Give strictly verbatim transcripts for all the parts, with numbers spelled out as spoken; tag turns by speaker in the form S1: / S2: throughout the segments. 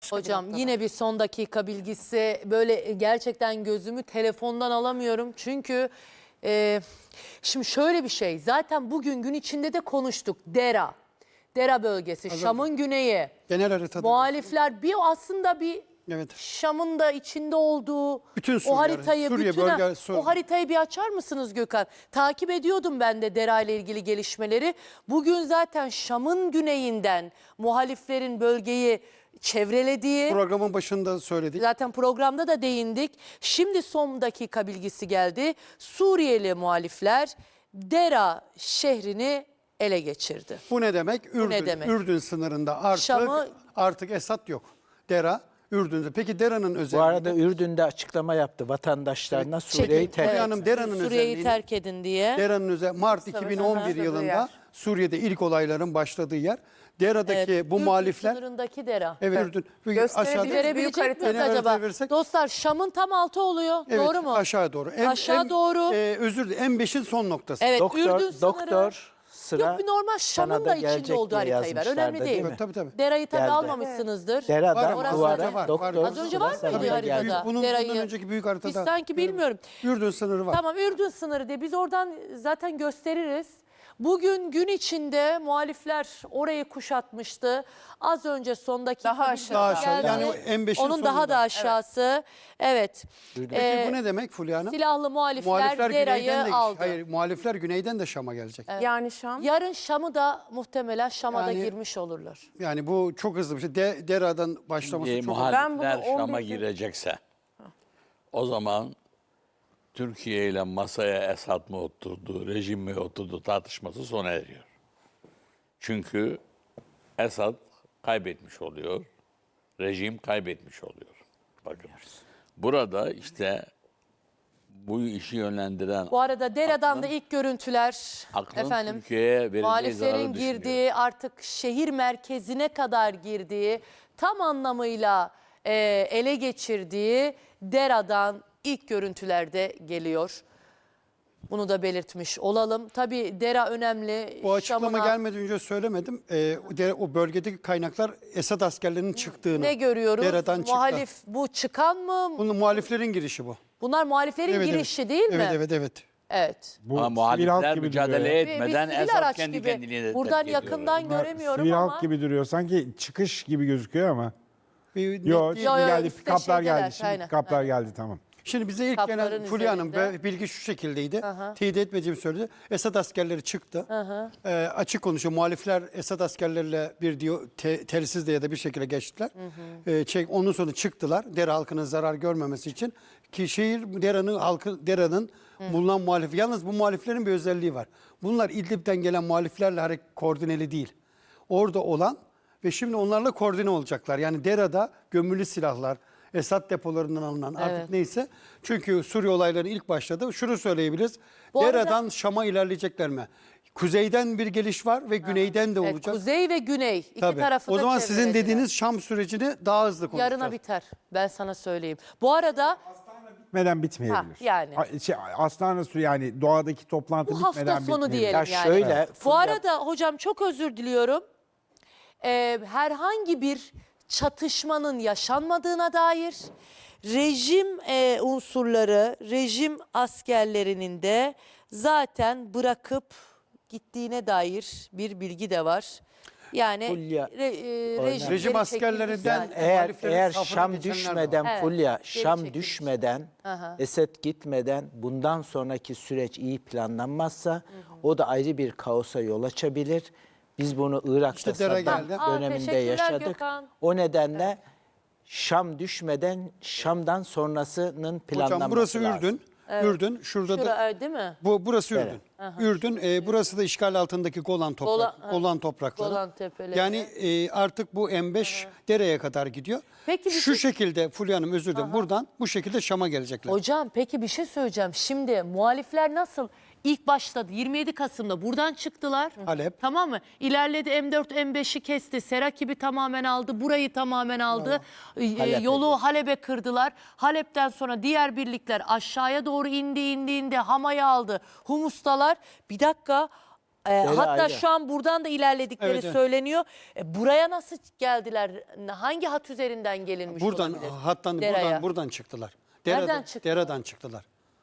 S1: başka bir
S2: Hocam
S1: noktada.
S2: yine bir son dakika bilgisi, böyle gerçekten gözümü telefondan alamıyorum. Çünkü e, şimdi şöyle bir şey, zaten bugün gün içinde de konuştuk. Dera, Dera bölgesi, Şam'ın güneyi.
S3: Genel haritada.
S2: Muhalifler bir aslında bir
S3: Evet.
S2: Şam'ın da içinde olduğu
S3: Bütün
S2: o
S3: Suriye,
S2: haritayı,
S3: Suriye
S2: bütün
S3: bölge- Sur-
S2: o haritayı bir açar mısınız Gökhan? Takip ediyordum ben de Dera ile ilgili gelişmeleri. Bugün zaten Şam'ın güneyinden muhaliflerin bölgeyi çevrelediği,
S3: Programın başında söyledik.
S2: zaten programda da değindik. Şimdi son dakika bilgisi geldi. Suriyeli muhalifler Dera şehrini ele geçirdi.
S3: Bu ne demek? Ürdün,
S2: ne demek?
S3: Ürdün sınırında artık
S2: Şam'ı-
S3: artık Esad yok. Dera Ürdün'de. Peki Dera'nın
S4: Bu
S3: özelliği?
S4: arada Ürdün'de açıklama yaptı vatandaşlarına Suriye'yi
S2: Çekil-
S4: terk
S3: Fulya
S4: etsin.
S3: Hanım, Dera'nın
S2: Suriye'yi
S3: özelliğini-
S2: terk edin diye.
S3: Dera'nın özel Mart iki bin on bir
S1: başladığı
S3: yılında
S1: yer.
S3: Suriye'de ilk olayların başladığı yer. Dera'daki
S2: Evet,
S3: bu
S2: Ürdün
S3: muhalifler
S2: sınırındaki Dera.
S3: evet Ürdün. Bu
S1: Gösterebilir
S3: aşağıda-
S1: Büyük
S2: Verebilecek
S1: harita-
S2: miyiz
S3: Genel
S2: acaba?
S3: haritaya versek-
S2: Dostlar Şam'ın tam altı oluyor.
S3: Evet,
S2: Doğru mu?
S3: aşağı doğru. En-
S2: Aşağı
S3: en-
S2: doğru.
S3: E, özür dilerim. M beşin son noktası.
S2: Evet,
S4: Doktor,
S2: Ürdün sınırı.
S4: doktor sıra
S2: Yok, bir normal Şam'ın
S4: sana
S2: da
S4: da
S2: içinde
S4: gelecek
S2: olduğu
S4: diye
S2: haritayı ver. Önemli
S4: yazmışlardı,
S2: değil.
S4: değil mi?
S3: Tabii tabii.
S2: Dera'yı tabii
S4: Geldi.
S2: almamışsınızdır.
S4: Dera'dan
S3: Var,
S4: bu
S3: var,
S4: ara
S3: var,
S4: doktor
S3: var.
S2: Az önce var
S4: sıra
S2: mıydı
S4: sana
S2: haritada?
S4: gelecek.
S3: Bunun,
S2: Dera'yı.
S3: bundan önceki büyük haritada.
S2: Biz sanki bilmiyorum.
S3: Ürdün sınırı var.
S2: Tamam, Ürdün sınırı diye biz oradan zaten gösteririz. Bugün gün içinde muhalifler orayı kuşatmıştı. Az önce son dakika
S1: Daha
S2: bilgi
S1: aşağı.
S3: Daha aşağı.
S2: geldi.
S3: Yani o M beşin
S2: Onun daha
S3: sonunda.
S2: da aşağısı. Evet.
S3: Peki
S2: Ee,
S3: bu ne demek Fulya Hanım?
S2: silahlı muhalifler,
S3: Muhalifler
S2: Dera'yı
S3: güneyden de
S2: aldı.
S3: hayır, muhalifler güneyden de Şam'a gelecek.
S1: Yani Şam.
S2: Yarın Şam'ı da muhtemelen Şam'a da
S3: Yani-
S2: girmiş olurlar.
S3: Yani bu çok hızlı bir şey. De, Dera'dan başlaması
S5: E,
S3: çok
S1: Ben
S5: muhalifler
S1: bunu on
S5: Şam'a
S1: bir-
S5: girecekse o zaman Türkiye ile masaya Esad mı oturdu, rejim mi oturdu tartışması sona eriyor. Çünkü Esad kaybetmiş oluyor, rejim kaybetmiş oluyor. Bakın burada işte bu işi yönlendiren
S2: Bu arada Dera'dan da ilk görüntüler
S5: aklın
S2: efendim
S5: Türkiye'ye vereceği
S2: muhaliflerin
S5: zararı düşünüyor.
S2: girdiği, artık şehir merkezine kadar girdiği, tam anlamıyla e, ele geçirdiği Dera'dan ilk görüntülerde geliyor. Bunu da belirtmiş olalım. Tabii Dera önemli.
S3: Bu açıklama
S2: Şam'ına
S3: gelmeden önce söylemedim. Ee, o de- o bölgedeki kaynaklar Esad askerlerinin çıktığını.
S2: ne görüyoruz?
S3: Dera'dan çıktı.
S2: Muhalif bu çıkan mı?
S3: Bunun muhaliflerin girişi bu.
S2: Bunlar muhaliflerin
S3: Evet,
S2: girişi
S3: evet.
S2: değil mi?
S3: Evet evet evet.
S2: Evet.
S6: Bu
S5: Ama
S6: sivil halk
S5: muhalifler
S6: gibi
S5: mücadele
S6: duruyor ya.
S2: Bir- bir
S5: etmeden
S2: sivil
S5: Esad
S2: araç
S5: kendi
S2: gibi.
S5: kendiliğine
S2: Buradan
S5: terk ediyor.
S2: yakından
S6: Bunlar
S2: göremiyorum
S6: sivil
S2: ama.
S6: halk gibi duruyor. Sanki çıkış gibi gözüküyor ama.
S3: Bir net
S6: Yok,
S3: değil.
S2: Yo, yo,
S6: geldi,
S2: ikisi de
S6: pikaplar
S2: şeydeler,
S6: geldi. Şimdi
S2: aynen,
S6: pikaplar
S2: aynen.
S6: geldi, tamam.
S3: Şimdi bize ilk
S2: Kapların
S3: gelen Fulya Hanım
S2: üzerinde.
S3: be- bilgi şu şekildeydi. Teyit etmediğimi söyledi. Esad askerleri çıktı. Ee, açık konuşuyor. Muhalifler Esad askerleriyle bir diyor, te, telsizle ya da bir şekilde geçtiler. Ee, çek, onun sonra çıktılar. Dera halkının zarar görmemesi için. Ki şehir Dera'nın halkı Dera'nın bulunan muhalif. Yalnız bu muhaliflerin bir özelliği var. Bunlar İdlib'den gelen muhaliflerle hareket koordineli değil. Orada olan ve şimdi onlarla koordine olacaklar. Yani Dera'da gömülü silahlar, Esad depolarından alınan artık
S2: Evet.
S3: neyse. Çünkü Suriye olayları ilk başladı. Şunu söyleyebiliriz.
S2: Bu arada-
S3: Dera'dan Şam'a ilerleyecekler mi? Kuzeyden bir geliş var ve güneyden de
S2: Evet,
S3: olacak.
S2: kuzey ve güney iki
S3: Tabii.
S2: tarafı
S3: O
S2: da
S3: zaman sizin
S2: çevrelediler.
S3: dediğiniz Şam sürecini daha hızlı konuşacağız.
S2: yarına biter. Ben sana söyleyeyim. Bu arada
S6: Bitmeden bitmeyebilir.
S2: Ha, yani.
S6: A- Şey, Astana Su yani doğadaki toplantı
S2: bu hafta
S6: bitmeden
S2: sonu
S6: bitmeyebilir.
S2: diyelim
S4: Ya
S2: yani.
S4: şöyle,
S2: Bu
S4: Fulya-
S2: arada hocam çok özür diliyorum. Ee, herhangi bir çatışmanın yaşanmadığına dair, rejim e, unsurları, rejim askerlerinin de zaten bırakıp gittiğine dair bir bilgi de var. Yani
S4: Fulya,
S2: re, e,
S4: Oynar.
S2: rejim,
S3: Rejim
S2: geri
S3: askerlerinden-
S2: çekilmiş zaten.
S4: Eğer
S3: muhaliflerin
S4: eğer
S3: safına
S4: Şam
S3: geçenler de
S4: düşmeden
S2: var. Evet,
S4: Fulya,
S2: geri
S4: Şam
S2: çekilmiş.
S4: düşmeden,
S2: Aha.
S4: Esed gitmeden bundan sonraki süreç iyi planlanmazsa o da ayrı bir kaosa yol açabilir. Biz bunu Irak'ta
S3: İşte Dera
S4: Saddam
S3: geldi.
S2: Aa,
S4: döneminde
S2: teşekkürler
S4: yaşadık.
S2: Gökhan.
S4: O nedenle Şam düşmeden Şam'dan sonrasının planlanması
S3: Hocam burası
S4: lazım.
S3: Ürdün. Ürdün. Şurada da
S2: Şura, değil mi?
S3: bu burası Ürdün. Ürdün. e, burası da işgal altındaki Golan toprak,
S2: Golan- ha.
S3: Golan toprakları.
S2: Golan tepeleri.
S3: Yani e, artık bu M beş dereye kadar gidiyor.
S2: Peki bir
S3: Şu
S2: şey-
S3: şekilde Fulya Hanım özür dilerim. Buradan bu şekilde Şam'a gelecekler.
S2: Hocam peki bir şey söyleyeceğim. Şimdi muhalifler nasıl ilk başladı? yirmi yedi Kasım'da buradan çıktılar.
S3: Halep.
S2: Tamam mı? İlerledi, M dört M beşi kesti. Serakib'i tamamen aldı. Burayı tamamen aldı. Ee,
S4: Halep'e
S2: yolu Halep'e kırdılar. Halep'ten sonra diğer birlikler aşağıya doğru indi indi indi. Hama'yı aldı. Humus'talar. Bir dakika. Ee, hatta
S4: ayrı.
S2: şu an buradan da ilerledikleri
S3: Evet, evet.
S2: söyleniyor. E, buraya nasıl geldiler? Hangi hat üzerinden gelinmiş
S3: Buradan
S2: olabilir?
S3: hattan
S2: Deraya.
S3: buradan buradan çıktılar.
S2: Nereden
S3: Dera'dan,
S2: çıktılar?
S3: Deradan çıktılar.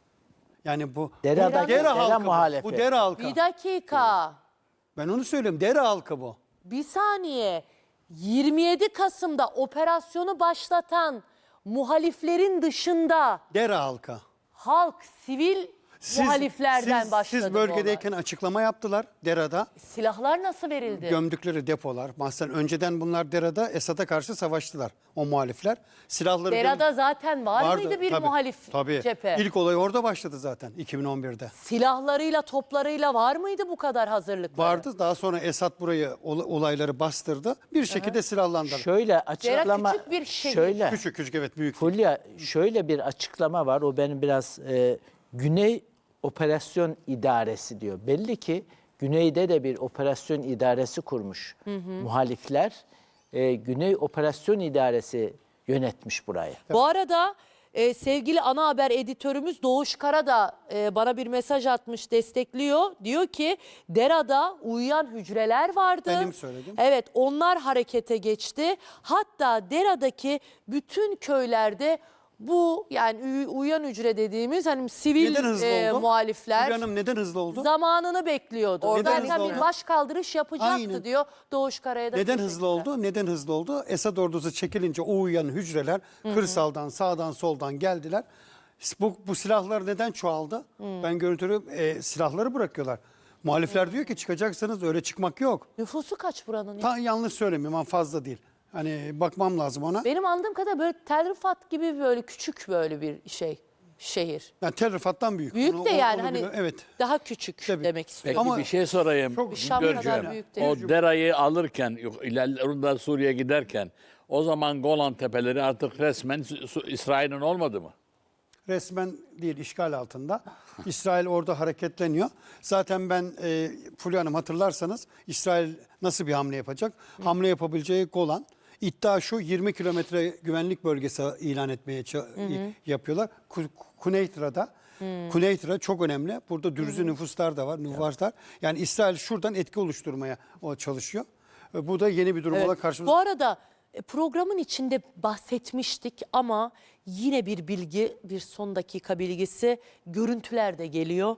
S3: Yani bu
S4: Dera'daki
S3: Dera
S4: Dera
S3: halkı bu.
S4: muhalefet.
S3: Bu Dera halkı.
S2: Bir dakika.
S3: Ben onu söylüyorum. Dera halkı bu.
S2: Bir saniye. yirmi yedi Kasım'da operasyonu başlatan muhaliflerin dışında
S3: Dera halkı.
S2: halk, sivil muhaliflerden
S3: siz,
S2: başladı
S3: Siz
S2: bu olay.
S3: bölgedeyken açıklama yaptılar Dera'da.
S2: Silahlar nasıl verildi?
S3: Gömdükleri depolar. Mesela önceden bunlar Dera'da Esad'a karşı savaştılar. O muhalifler. Silahları
S2: Dera'da zaten var
S3: vardı.
S2: mıydı bir
S3: Tabii,
S2: muhalif
S3: tabii.
S2: cephe?
S3: İlk olay orada başladı zaten iki bin on birde.
S2: Silahlarıyla, toplarıyla var mıydı bu kadar hazırlıkları?
S3: Vardı. Daha sonra Esad burayı ol- olayları bastırdı. Bir şekilde silahlandılar.
S4: Şöyle açıklama
S2: küçük bir şehir.
S4: şöyle
S3: Küçük küçük evet büyük.
S4: Fulya şöyle bir açıklama var. O benim biraz e, Güney Operasyon İdaresi diyor. Belli ki Güney'de de bir operasyon idaresi kurmuş muhalifler. E, Güney Operasyon İdaresi yönetmiş burayı.
S2: Bu arada e, sevgili ana haber editörümüz Doğuş Kara da e, bana bir mesaj atmış, destekliyor. Diyor ki Dera'da uyuyan hücreler vardı.
S3: Benim söyledim.
S2: Evet, onlar harekete geçti. Hatta Dera'daki bütün köylerde bu yani uy- uyuyan hücre dediğimiz hani sivil
S3: Neden hızlı
S2: e,
S3: oldu?
S2: muhalifler
S3: Hülya Hanım neden hızlı oldu?
S2: zamanını bekliyordu.
S3: Neden
S2: Zaten
S3: hızlı
S2: bir
S3: oldu?
S2: baş kaldırış yapacaktı
S3: Aynen.
S2: diyor Doğuş Kara'ya da.
S3: Neden hızlı
S2: teşekkürler.
S3: oldu? Neden hızlı oldu? Esad ordusu çekilince o uyuyan hücreler kırsaldan, sağdan, soldan geldiler. Bu, bu silahlar neden çoğaldı? Ben görüntülü e, silahları bırakıyorlar. Muhalifler diyor ki çıkacaksanız öyle çıkmak yok.
S2: Nüfusu kaç buranın?
S3: Ta yanlış söylemiyorum ama fazla değil. Hani bakmam lazım ona.
S2: Benim anladığım kadar böyle Tel Rifat gibi böyle küçük böyle bir şey şehir.
S3: Yani Tel Rifat'tan büyük.
S2: Büyük
S3: Onu-
S2: de
S3: onu-
S2: yani
S3: onu
S2: hani
S3: biliyorum. Evet.
S2: daha küçük
S3: Tabii.
S2: demek
S5: Peki
S2: istiyorum.
S3: Ama
S5: bir şey sorayım.
S3: çok-
S2: Şam kadar
S5: Görkem.
S2: büyük değil.
S5: O Dera'yı alırken, yok, ilerlerinde Suriye'ye giderken o zaman Golan Tepeleri artık resmen Su- Su- İsrail'in olmadı mı?
S3: Resmen değil, işgal altında. İsrail orada hareketleniyor. Zaten ben e, Fulya Hanım hatırlarsanız İsrail nasıl bir hamle yapacak? Hamle yapabileceği Golan. İddia şu yirmi kilometre güvenlik bölgesi ilan etmeye ça- yapıyorlar. Ku- Kuneytra'da. Kuneytra çok önemli. Burada dürüzü nüfuslar da var, nüfuslar. Yani İsrail şuradan etki oluşturmaya o çalışıyor. E, Bu da yeni bir durum
S2: Evet.
S3: olarak karşımıza.
S2: Bu arada e, programın içinde bahsetmiştik ama yine bir bilgi, bir son dakika bilgisi, görüntüler de geliyor.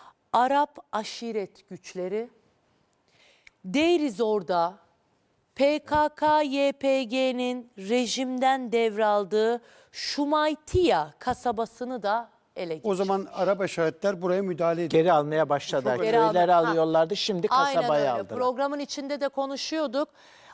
S2: Arap aşiret güçleri Deir ez-Zor'da P K K Y P G'nin rejimden devraldığı Şumaytiya kasabasını da ele geçirdi.
S3: O zaman Arap aşiretler buraya müdahale ediyor.
S4: Geri almaya başladılar.
S2: Geri
S4: Köyleri
S2: aldı- Ha.
S4: alıyorlardı. Şimdi
S2: Aynen
S4: kasabayı
S2: öyle.
S4: aldılar.
S2: Programın içinde de konuşuyorduk.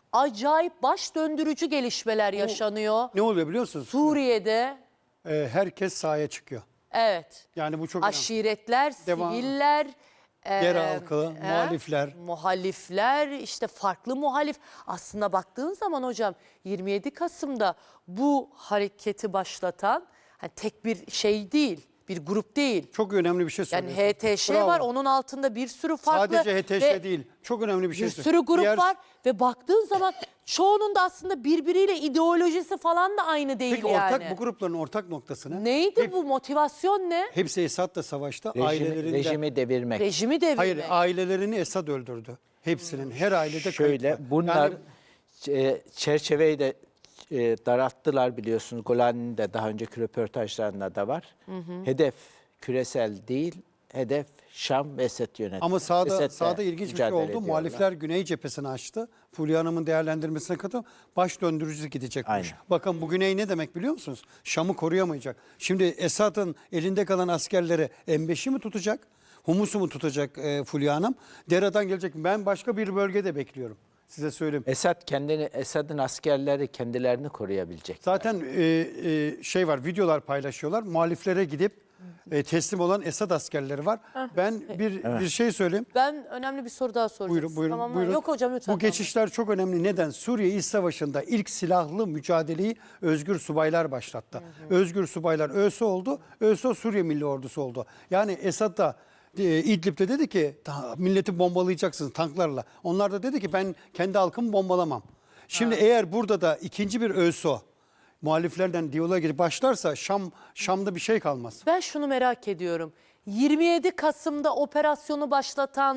S2: Acayip baş döndürücü gelişmeler yaşanıyor.
S3: Ne oluyor biliyor musunuz?
S2: Suriye'de
S3: E, herkes sahaya çıkıyor.
S2: evet
S3: Yani bu çok önemli.
S2: aşiretler,
S3: Devam.
S2: siviller, e,
S3: Yer halkı,
S2: e,
S3: muhalifler.
S2: muhalifler, işte farklı muhalif. Aslında baktığın zaman hocam yirmi yedi Kasım'da bu hareketi başlatan hani tek bir şey değil, bir grup değil.
S3: Çok önemli bir şey
S2: Yani
S3: söylüyorsun.
S2: H T Ş
S3: Bravo.
S2: var, onun altında bir sürü farklı
S3: Sadece H T Ş
S2: ve
S3: değil. Çok önemli bir şey
S2: bir
S3: söylüyorsun.
S2: sürü grup
S3: Diğer-
S2: var ve baktığın zaman çoğunun da aslında birbiriyle ideolojisi falan da aynı değil
S3: Peki
S2: yani.
S3: ortak bu grupların ortak noktası ne?
S2: Neydi
S3: Hep-
S2: bu motivasyon ne?
S3: Hepsi Esad'la savaşta.
S4: Rejimi,
S3: Ailelerinde.
S4: rejimi devirmek.
S2: Rejimi devirmek.
S3: Hayır, ailelerini Esad öldürdü. Hepsinin. Her ailede kayıp
S4: Şöyle
S3: var.
S4: bunlar
S3: Yani
S4: e, çerçeveyi de e, daralttılar biliyorsunuz. Golani'nin de daha önceki röportajlarında da var. Hedef küresel değil, hedef Şam ve Esed yönetimi.
S3: ama sağda
S4: Esed'le
S3: sağda ilginç bir şey
S4: mücadele
S3: oldu.
S4: ediyorlar.
S3: Muhalifler Güney cephesini açtı. Fulya Hanım'ın değerlendirmesine katılıp baş döndürücü gidecekmiş.
S4: Aynen.
S3: Bakın bu Güney ne demek biliyor musunuz? Şam'ı koruyamayacak. Şimdi Esad'ın elinde kalan askerleri M beşi mi tutacak? Humus'u mu tutacak e, Fulya Hanım? Dera'dan gelecek. Ben başka bir bölgede bekliyorum. Size söyleyeyim.
S4: Esad kendini, Esad'ın askerleri kendilerini koruyabilecek.
S3: Zaten e, e, şey var, videolar paylaşıyorlar. Muhaliflere gidip e, teslim olan Esad askerleri var. Ben bir bir şey söyleyeyim.
S2: Ben önemli bir soru daha soracağım.
S3: Buyurun, buyurun,
S2: Tamam mı?
S3: buyurun.
S2: Yok hocam lütfen.
S3: Bu geçişler çok önemli. Neden? Suriye İç Savaşı'nda ilk silahlı mücadeleyi Özgür Subaylar başlattı. Özgür Subaylar ÖSO oldu. ÖSO Suriye Milli Ordusu oldu. Yani Esad da e, İdlib'de dedi ki "Ta- milleti bombalayacaksınız tanklarla. Onlar da dedi ki ben kendi halkımı bombalamam. Şimdi eğer burada da ikinci bir ÖSO muhaliflerden diyaloğa girip başlarsa Şam Şam'da bir şey kalmaz.
S2: Ben şunu merak ediyorum. yirmi yedi Kasım'da operasyonu başlatan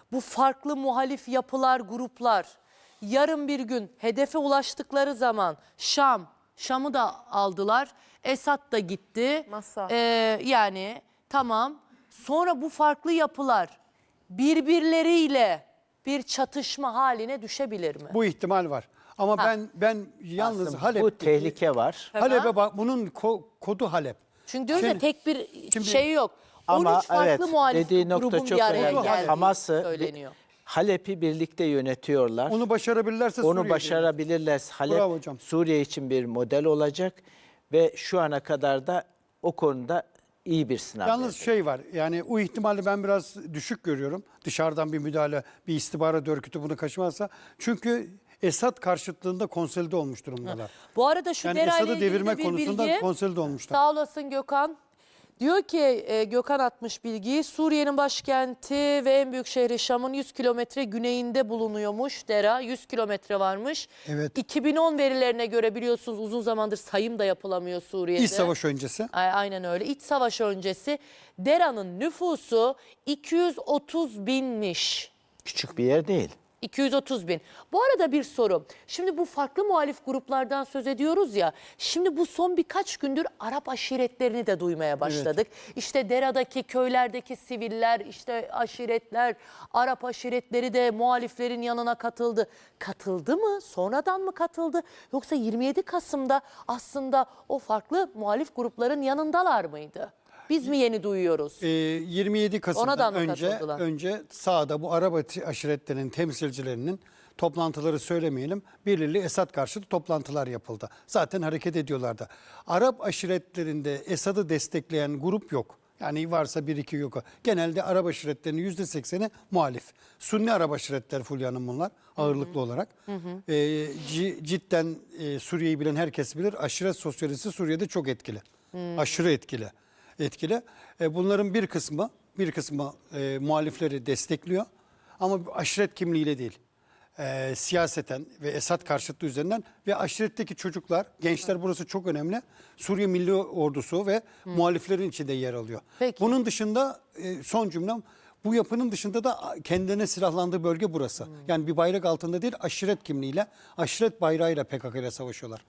S2: bu farklı muhalif yapılar, gruplar yarın bir gün hedefe ulaştıkları zaman Şam, Şam'ı da aldılar. Esad da gitti.
S1: Masa.
S2: Ee, yani tamam. Sonra bu farklı yapılar birbirleriyle bir çatışma haline düşebilir mi?
S3: Bu ihtimal var. Ama ben ben yalnız
S4: Aslında
S3: Halep
S4: bu tehlike var.
S3: Halep'e bak, bunun ko- kodu Halep.
S2: Çünkü diyoruz ya
S3: Şimdi-
S2: tek bir
S3: şimdi-
S2: şey yok.
S4: Ama
S2: on üç farklı
S4: evet,
S2: muhalif
S4: dediği nokta
S2: grubun
S4: çok
S2: bir araya
S4: önemli.
S2: geldiği
S4: Hamas'ı
S2: söyleniyor.
S4: Halep'i birlikte yönetiyorlar.
S3: Onu başarabilirlerse
S4: Onu
S3: Suriye'ye
S4: başarabilirlerse Halep
S3: Bravo hocam.
S4: Suriye için bir model olacak ve şu ana kadar da o konuda iyi bir sınav.
S3: Yalnız
S4: verecek.
S3: şey var, yani o ihtimali ben biraz düşük görüyorum. Dışarıdan bir müdahale, bir istihbarat örgütü bunu kaçırmazsa. Çünkü Esad karşıtlığında konsolide olmuş durumdalar.
S2: Bu arada şu
S3: Yani
S2: Dera ile
S3: Esad'ı
S2: ilgili
S3: devirme
S2: de bir
S3: konusunda
S2: bilgi.
S3: konsolide olmuşlar.
S2: Sağ olasın Gökhan. Diyor ki e, Gökhan atmış bilgiyi. Suriye'nin başkenti ve en büyük şehri Şam'ın yüz kilometre güneyinde bulunuyormuş Dera. yüz kilometre varmış.
S3: Evet.
S2: iki bin on verilerine göre biliyorsunuz uzun zamandır sayım da yapılamıyor Suriye'de.
S3: İç savaş öncesi.
S2: A- Aynen öyle. İç savaş öncesi Dera'nın nüfusu iki yüz otuz binmiş.
S4: Küçük bir yer değil.
S2: iki yüz otuz bin. Bu arada bir soru. Şimdi bu farklı muhalif gruplardan söz ediyoruz ya. Şimdi bu son birkaç gündür Arap aşiretlerini de duymaya başladık. İşte Dera'daki köylerdeki siviller, işte aşiretler, Arap aşiretleri de muhaliflerin yanına katıldı. Katıldı mı? Sonradan mı katıldı? Yoksa yirmi yedi Kasım'da aslında o farklı muhalif grupların yanındalar mıydı? Biz mi yeni duyuyoruz?
S3: Ee, yirmi yedi
S2: Ona da
S3: Kasım'dan
S2: mı
S3: önce
S2: katıldılar?
S3: önce sahada bu Arap aşiretlerinin temsilcilerinin toplantıları söylemeyelim. Belirli Esad karşıtı toplantılar yapıldı. Zaten hareket ediyorlardı. Arap aşiretlerinde Esad'ı destekleyen grup yok. Yani varsa bir iki yok. Genelde Arap aşiretlerinin yüzde sekseni muhalif. Sunni Arap aşiretler Fulya Hanım bunlar ağırlıklı olarak. Ee, ci- cidden e, Suriye'yi bilen herkes bilir. Aşiret sosyolojisi Suriye'de çok etkili. Aşırı etkili. Etkili. E, bunların bir kısmı bir kısmı e, muhalifleri destekliyor. Ama aşiret kimliğiyle değil. E, siyaseten ve Esad karşıtlığı üzerinden ve aşiretteki çocuklar, gençler, burası çok önemli. Suriye Milli Ordusu ve muhaliflerin içinde yer alıyor.
S2: Peki.
S3: Bunun dışında e, son cümlem, bu yapının dışında da kendine silahlandığı bölge burası. Yani bir bayrak altında değil, aşiret kimliğiyle, aşiret bayrağıyla P K K ile savaşıyorlar.